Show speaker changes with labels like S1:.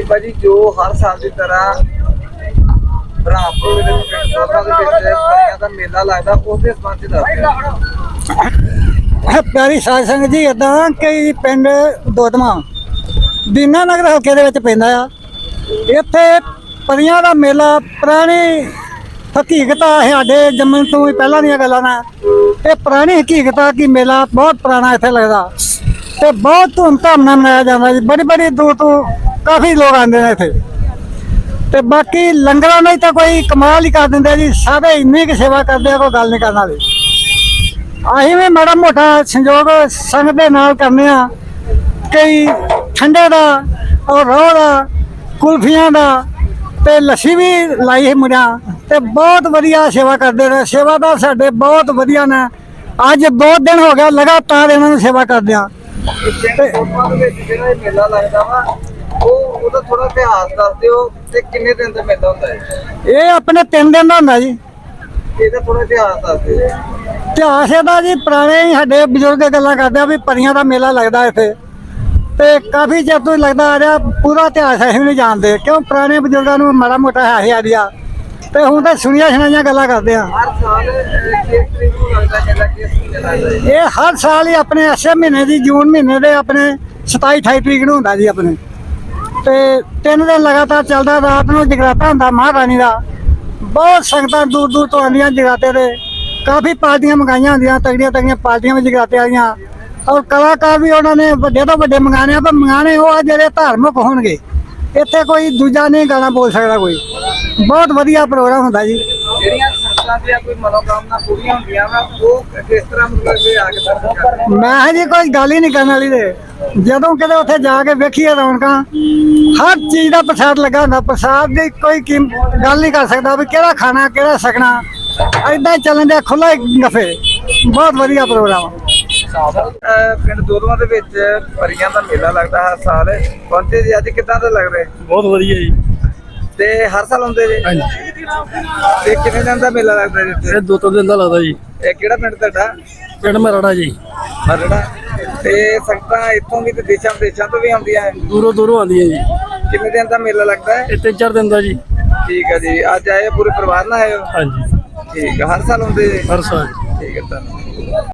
S1: ਭਾਜੀ ਜੋ ਹਰ ਸਾਲ ਦੀ ਤਰ੍ਹਾਂ ਬ੍ਰਹਮਪੁਰ ਦੇ ਪਰੀਆਂ ਦਾ ਮੇਲਾ ਲੱਗਦਾ ਉਹਦੇ ਸੰਬੰਧ ਚ ਦੱਸ
S2: ਪਿਆਰੀ ਸਾਧ ਸੰਗਤ ਜੀ, ਇਦਾਂ ਕਿ ਪਿੰਡ ਦੋਦਮਾ ਦੀਨਾ ਨਗਰ ਹਲਕੇ ਦੇ ਵਿੱਚ ਪੈਂਦਾ ਆ। ਇੱਥੇ ਪਰੀਆਂ ਦਾ ਮੇਲਾ ਪੁਰਾਣੀ ਹਕੀਕਤ ਆ, ਸਾਡੇ ਜੰਮਣ ਤੋਂ ਵੀ ਪਹਿਲਾਂ ਦੀਆਂ ਗੱਲਾਂ ਨੇ। ਇਹ ਪੁਰਾਣੀ ਹਕੀਕਤ ਆ ਕਿ ਮੇਲਾ ਬਹੁਤ ਪੁਰਾਣਾ ਇੱਥੇ ਲੱਗਦਾ ਤੇ ਬਹੁਤ ਧੂਮਧਾਮ ਨਾਲ ਮਨਾਇਆ ਜਾਂਦਾ ਜੀ। ਬੜੀ ਦੂਰ ਤੋਂ ਕਾਫੀ ਲੋਕ ਆਉਂਦੇ ਨੇ ਇੱਥੇ। ਤੇ ਬਾਕੀ ਲੰਗਰਾਂ ਨਾਲ ਤਾਂ ਕੋਈ ਕਮਾਲ ਹੀ ਕਰ ਦਿੰਦੇ ਜੀ, ਸਾਰੇ ਇੰਨੀ ਕੁ ਸੇਵਾ ਕਰਦੇ ਆ, ਕੋਈ ਗੱਲ ਨਹੀਂ ਕਰਨ ਵਾਲੀ। ਅਸੀਂ ਵੀ ਮਾੜਾ ਮੋਟਾ ਸੰਯੋਗ ਸੰਗਤ ਦੇ ਨਾਲ ਕਰਨੇ ਆ, ਕਈ ਠੰਡੇ ਦਾ ਔਰ ਰੋਹ ਦਾ, ਕੁਲਫੀਆਂ ਦਾ ਤੇ ਲੱਸੀ ਵੀ ਲਾਈ ਹੈ ਮੁੰਡਿਆਂ ਤੇ ਬਹੁਤ ਵਧੀਆ ਸੇਵਾ ਕਰਦੇ ਨੇ। ਸੇਵਾਦਾਰ ਸਾਡੇ ਬਹੁਤ ਵਧੀਆ ਨੇ। ਅੱਜ ਬਹੁਤ ਦਿਨ ਹੋ ਗਿਆ ਲਗਾਤਾਰ ਇਹਨਾਂ ਨੂੰ ਸੇਵਾ ਕਰਦੇ ਆ।
S1: ਜਿਹੜਾ ਮੇਲਾ ਲੱਗਦਾ ਵਾ ਉਹਦਾ ਥੋੜਾ ਇਤਿਹਾਸ ਦੱਸ ਦਿਓ ਤੇ ਕਿੰਨੇ ਦਿਨ ਦਾ ਮੇਲਾ ਹੁੰਦਾ ਹੈ?
S2: ਇਹ ਆਪਣੇ 3 ਦਿਨ ਦਾ ਹੁੰਦਾ ਜੀ।
S1: ਇਹਦਾ ਥੋੜਾ ਇਤਿਹਾਸ ਦੱਸ ਦਿਓ।
S2: ਇਤਿਹਾਸ ਇਹਦਾ ਜੀ ਪੁਰਾਣੇ ਹੀ ਸਾਡੇ ਬਜ਼ੁਰਗ ਗੱਲਾਂ ਕਰਦੇ ਆ ਵੀ ਪਰੀਆਂ ਦਾ ਮੇਲਾ ਲੱਗਦਾ ਇੱਥੇ ਤੇ ਕਾਫੀ ਚਿਰ ਤੋਂ ਲੱਗਦਾ ਆ ਰਿਹਾ। ਪੂਰਾ ਇਤਿਹਾਸ ਅਸੀਂ ਨਹੀਂ ਜਾਣਦੇ ਕਿਉਂ ਪੁਰਾਣੇ ਬਜ਼ੁਰਗਾਂ ਨੂੰ ਮਾੜਾ ਮੋਟਾ ਹੈ ਆਈਡੀਆ ਤੇ ਹੁਣ ਤਾਂ ਸੁਣੀਆਂ ਸੁਣਾਈਆਂ ਗੱਲਾਂ ਕਰਦੇ ਆ।
S1: ਹਰ ਸਾਲ ਕਿਸ ਤਰੀਕ ਨੂੰ ਲੱਗਦਾ ਮੇਲਾ, ਕਿਸ ਮਹੀਨੇ ਲੱਗਦਾ?
S2: ਇਹ ਹਰ ਸਾਲ ਹੀ ਆਪਣੇ ਇਸੇ ਮਹੀਨੇ ਦੀ ਜੂਨ ਮਹੀਨੇ ਦੇ ਆਪਣੇ 27-28 ਤਰੀਕ ਨੂੰ ਹੁੰਦਾ ਜੀ ਆਪਣੇ। ਤੇ 3 ਦਿਨ ਲਗਾਤਾਰ ਚੱਲਦਾ। ਰਾਤ ਨੂੰ ਜਗਰਾਤਾ ਹੁੰਦਾ ਮਹਾਰਾਣੀ ਦਾ। ਬਹੁਤ ਸੰਗਤਾਂ ਦੂਰ ਦੂਰ ਤੋਂ ਆਉਂਦੀਆਂ ਜਗਰਾਤੇ ਦੇ। ਕਾਫੀ ਪਾਰਟੀਆਂ ਮੰਗਾਈਆਂ ਹੁੰਦੀਆਂ, ਤਗੜੀਆਂ ਪਾਰਟੀਆਂ ਵੀ ਜਗਰਾਤੇ ਆਈਆਂ। ਔਰ ਕਲਾਕਾਰ ਵੀ ਉਹਨਾਂ ਨੇ ਵੱਡੇ ਤੋਂ ਵੱਡੇ ਮੰਗਾਣੇ ਆ, ਪਰ ਮੰਗਾਣੇ ਉਹ ਆ ਜਿਹੜੇ ਧਾਰਮਿਕ ਹੋਣਗੇ। ਇੱਥੇ ਕੋਈ ਦੂਜਾ ਨਹੀਂ ਗਾਣਾ ਬੋਲ ਸਕਦਾ ਕੋਈ। ਬਹੁਤ ਵਧੀਆ ਪ੍ਰੋਗਰਾਮ ਹੁੰਦਾ ਜੀ।
S1: ਜਿਹੜੀਆਂ ਸੰਗਤਾਂ ਦੀਆਂ ਕੋਈ ਮਨੋਕਾਮਨਾ ਪੂਰੀਆਂ ਹੁੰਦੀਆਂ ਵਾ ਉਹ ਕਿਸ ਤਰ੍ਹਾਂ ਮਤਲਬ ਕਿ ਆ ਕੇ ਦਰਸ਼ਨ ਕਰਦੇ?
S2: ਮੈਂ ਜੀ ਕੋਈ ਗੱਲ ਹੀ ਨਹੀਂ ਕਰਨ ਵਾਲੀ ਦੇ। ਜਦੋਂ ਕਿਤੇ ਉੱਥੇ ਜਾ ਕੇ ਵੇਖੀਏ ਰੌਣਕਾਂ, ਹਰ ਚੀਜ਼ ਦਾ ਪ੍ਰਸਾਦ ਲੱਗਾ ਹੁੰਦਾ। ਪ੍ਰਸਾਦ ਦੀ ਕੋਈ ਗੱਲ ਨਹੀਂ ਕਰ ਸਕਦਾ ਵੀ ਕਿਹੜਾ ਖਾਣਾ ਕਿਹੜਾ ਛਕਣਾ। ਏਦਾਂ ਹੀ ਚੱਲਣ ਦੇ ਖੁੱਲਾ ਗੱਫੇ। ਬਹੁਤ ਵਧੀਆ ਪ੍ਰੋਗਰਾਮ।
S1: ਪਿੰਡ ਦੋਦਮਾ ਦੇ ਵਿੱਚ ਪਰੀਆਂ ਦਾ ਮੇਲਾ ਲੱਗਦਾ ਹਰ ਸਾਲ। ਪਹੁੰਚੇ ਜੀ ਅੱਜ, ਕਿੱਦਾਂ ਦਾ ਲੱਗ ਰਿਹਾ?
S3: ਬਹੁਤ ਵਧੀਆ ਜੀ।
S1: ਤੇ ਹਰ ਸਾਲ ਆਉਂਦੇ ਜੀ?
S3: ਹਾਂਜੀ।
S1: ਤੇ ਕਿੰਨੇ ਦਿਨ ਦਾ ਮੇਲਾ ਲੱਗਦਾ ਜੀ ਇੱਥੇ?
S3: ਇਹ 2-3 ਦਿਨ ਦਾ ਲੱਗਦਾ ਜੀ।
S1: ਇਹ ਕਿਹੜਾ ਪਿੰਡ ਤੁਹਾਡਾ?
S3: ਪਿੰਡ ਮਰਾੜਾ ਜੀ।
S1: ਮਰੜਾ। ਤੇ ਸੰਗਤਾਂ ਇੱਥੋਂ ਵੀ ਤੇ ਦੇਸ਼ਾਂ ਵਿਦੇਸ਼ਾਂ ਤੋਂ ਵੀ ਆਉਂਦੀਆਂ ਹੈ?
S3: ਦੂਰੋਂ ਆਉਂਦੀਆਂ ਜੀ।
S1: ਕਿੰਨੇ ਦਿਨ ਦਾ ਮੇਲਾ ਲੱਗਦਾ ਹੈ?
S3: ਇਹ 3-4 ਦਿਨ ਦਾ ਜੀ।
S1: ਠੀਕ ਹੈ ਜੀ। ਅੱਜ ਆਏ ਪੂਰੇ ਪਰਿਵਾਰ ਨਾਲ ਆਏ ਹੋ?
S3: ਹਾਂਜੀ।
S1: ਠੀਕ ਹੈ। ਹਰ ਸਾਲ ਆਉਂਦੇ ਜੀ?
S3: ਹਰ ਸਾਲ।
S1: ਠੀਕ ਹੈ। ਧੰਨਵਾਦ।